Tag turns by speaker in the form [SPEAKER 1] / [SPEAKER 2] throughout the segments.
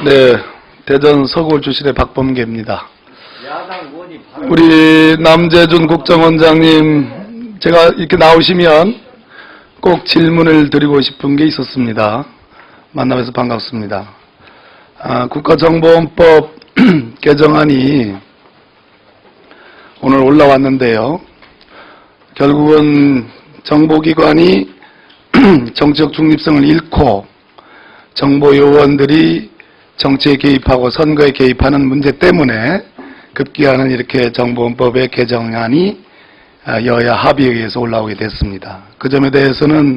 [SPEAKER 1] 네, 대전 서구울 출신의 박범계입니다. 우리 남재준 국정원장님, 제가 이렇게 나오시면 꼭 질문을 드리고 싶은 게 있었습니다. 만나뵈서 반갑습니다. 국가정보원법 개정안이 오늘 올라왔는데요. 결국은 정보기관이 정치적 중립성을 잃고 정보요원들이 정치에 개입하고 선거에 개입하는 문제 때문에 급기야는 이렇게 정보원법의 개정안이 여야 합의에 의해서 올라오게 됐습니다. 그 점에 대해서는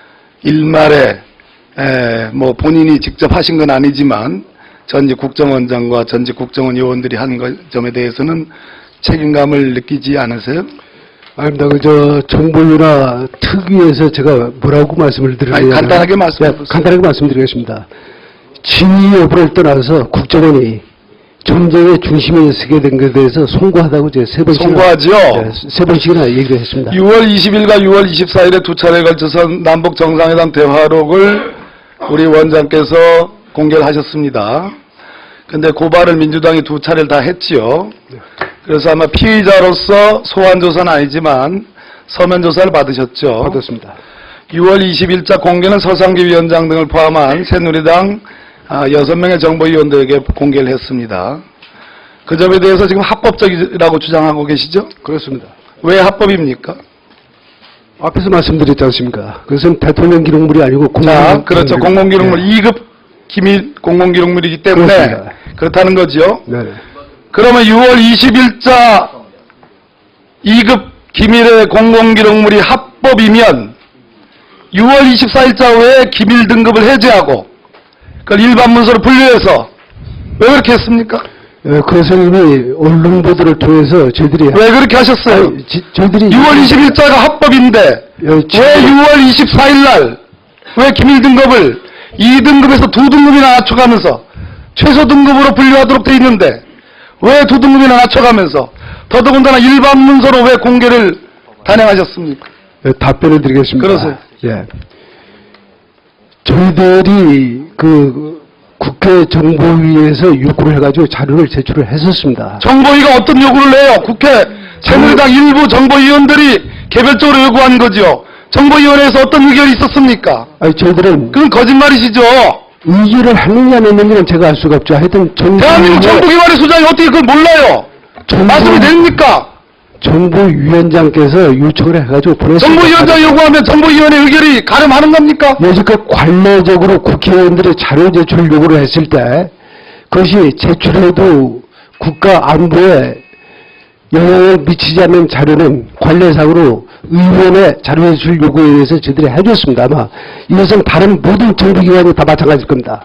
[SPEAKER 1] 일말에 뭐 본인이 직접 하신 건 아니지만 전직 국정원장과 전직 국정원 요원들이 한 점에 대해서는 책임감을 느끼지 않으세요?
[SPEAKER 2] 아닙니다. 정보유나 특위에서 제가 뭐라고 말씀을 드리냐면
[SPEAKER 1] 간단하게 말씀해보세요.
[SPEAKER 2] 간단하게 말씀드리겠습니다. 진위 여부를 떠나서 국정원이 전쟁의 중심에 서게 된 것에 대해서 송구하다고 제가
[SPEAKER 1] 송구하죠?
[SPEAKER 2] 세 번씩이나 얘기를 했습니다.
[SPEAKER 1] 6월 20일과 6월 24일에 두 차례에 걸쳐서 남북 정상회담 대화록을 우리 원장께서 공개를 하셨습니다. 근데 고발을 민주당이 두 차례를 다 했지요. 그래서 아마 피의자로서 소환조사는 아니지만 서면조사를 받으셨죠.
[SPEAKER 2] 받았습니다.
[SPEAKER 1] 6월 20일자 공개는 서상기 위원장 등을 포함한 새누리당 6명의 정보위원들에게 공개를 했습니다. 그 점에 대해서 지금 합법적이라고 주장하고 계시죠?
[SPEAKER 2] 그렇습니다.
[SPEAKER 1] 왜 합법입니까?
[SPEAKER 2] 앞에서 말씀드렸지 않습니까? 그것은 대통령 기록물이 아니고
[SPEAKER 1] 그렇죠. 공공기록물 2급 기밀 공공기록물이기 때문에
[SPEAKER 2] 그렇습니다.
[SPEAKER 1] 그렇다는 거죠.
[SPEAKER 2] 네.
[SPEAKER 1] 그러면 6월 20일자 2급 기밀의 공공기록물이 합법이면 6월 24일자 왜 기밀 등급을 해제하고 그걸 일반 문서로 분류해서 왜 그렇게 했습니까?
[SPEAKER 2] 그것은 이미 언론 보도를 통해서 저희들이
[SPEAKER 1] 왜 그렇게 하셨어요?
[SPEAKER 2] 저희들이
[SPEAKER 1] 6월 20일자가 합법인데 왜 6월 24일 날 왜 기밀 등급을 2등급에서 2등급이나 낮춰가면서 최소 등급으로 분류하도록 돼 있는데 왜 2등급이나 낮춰가면서 더더군다나 일반 문서로 왜 공개를 단행하셨습니까?
[SPEAKER 2] 답변을 드리겠습니다.
[SPEAKER 1] 그러세요.
[SPEAKER 2] 예. 저희들이 국회 정보위에서 요구를 해가지고 자료를 제출을 했었습니다.
[SPEAKER 1] 정보위가 어떤 요구를 해요? 국회 새누리당 일부 정보위원들이 개별적으로 요구한 거죠. 정보위원회에서 어떤 의견이 있었습니까?
[SPEAKER 2] 아니, 저희들은
[SPEAKER 1] 그건 거짓말이시죠.
[SPEAKER 2] 의결을 했느냐 안 했느냐는 제가 알 수가 없죠. 하여튼
[SPEAKER 1] 대한민국 정보기관의 소장이 어떻게 그걸 몰라요? 말씀이 됩니까?
[SPEAKER 2] 정보위원장께서 요청을 해가지고 보냈습니다.
[SPEAKER 1] 정보위원장 요구하면 정보위원회 의결이 가름하는 겁니까?
[SPEAKER 2] 여지껏 관례적으로 국회의원들의 자료 제출 요구를 했을 때 그것이 제출해도 국가 안보에 영향을 미치지 않는 자료는 관례상으로 의원의 자료 제출 요구에 의해서 저희들이 해줬습니다. 아마 이것은 다른 모든 정부기관이 다 마찬가지일 겁니다.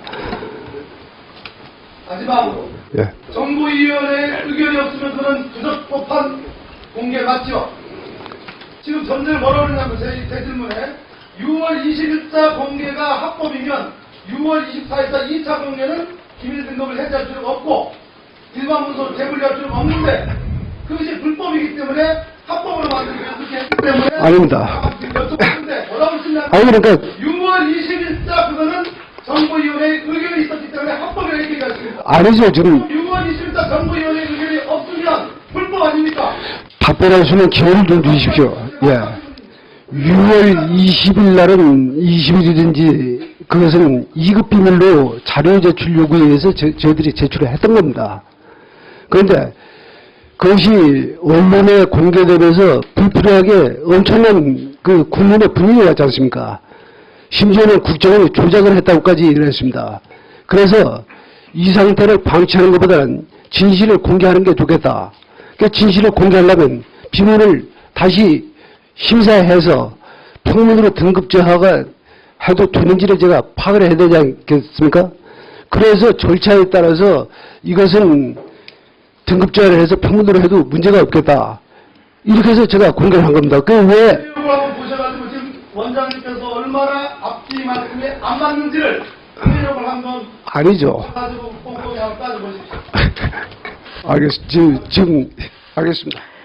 [SPEAKER 1] 마지막으로
[SPEAKER 2] 예.
[SPEAKER 1] 정보위원회 의견이 없으면 그는 부적법한 공개 맞죠? 지금 전제를 뭐라고 그러냐면 제 질문에 6월 20일자 공개가 합법이면 6월 24일자 2차 공개는 기밀 등급을 해제할 필요가 없고 일반 문서로 재분리할 필요가 없는데 그것이 불법이기 때문에 합법으로 만들기 위해서 그렇게 했기 때문에
[SPEAKER 2] 아닙니다.
[SPEAKER 1] 뭐라고 쓰냐면
[SPEAKER 2] 아니 그러니까
[SPEAKER 1] 6월 20일자 그거는 정보위원회의 의견이 있었기 때문에 합법이라고 얘기했습니다.
[SPEAKER 2] 아니죠. 지금
[SPEAKER 1] 6월 20일자 정보위원회 의견이 없으면 불법 아닙니까?
[SPEAKER 2] 답변할 수 있는 기회를 좀 주십시오. 예. 6월 20일 날은 20일이든지 그것은 2급 비밀로 자료 제출 요구에 의해서 저희들이 제출을 했던 겁니다. 그런데 그것이 언론에 공개되면서 불필요하게 엄청난 국민의 분위기가 왔지 않습니까? 심지어는 국정원이 조작을 했다고까지 얘기를 했습니다. 그래서 이 상태를 방치하는 것보다는 진실을 공개하는 게 좋겠다. 그러니까 진실을 공개하려면 비밀을 다시 심사해서 평문으로 등급제화가 해도 되는지를 제가 파악을 해야 되지 않겠습니까? 그래서 절차에 따라서 이것은 등급제화를 해서 평문으로 해도 문제가 없겠다. 이렇게 해서 제가 공개를 한 겁니다. 그 왜?
[SPEAKER 1] 한번 보셔가지고 지금 원장님께서 얼마나 앞뒤만큼에 안 맞는지를 공개력을 한번
[SPEAKER 2] 아니죠.
[SPEAKER 1] 가지고 꼼꼼히 한번 따져보십시오.
[SPEAKER 2] 알겠습니다. 지금 알겠습니다.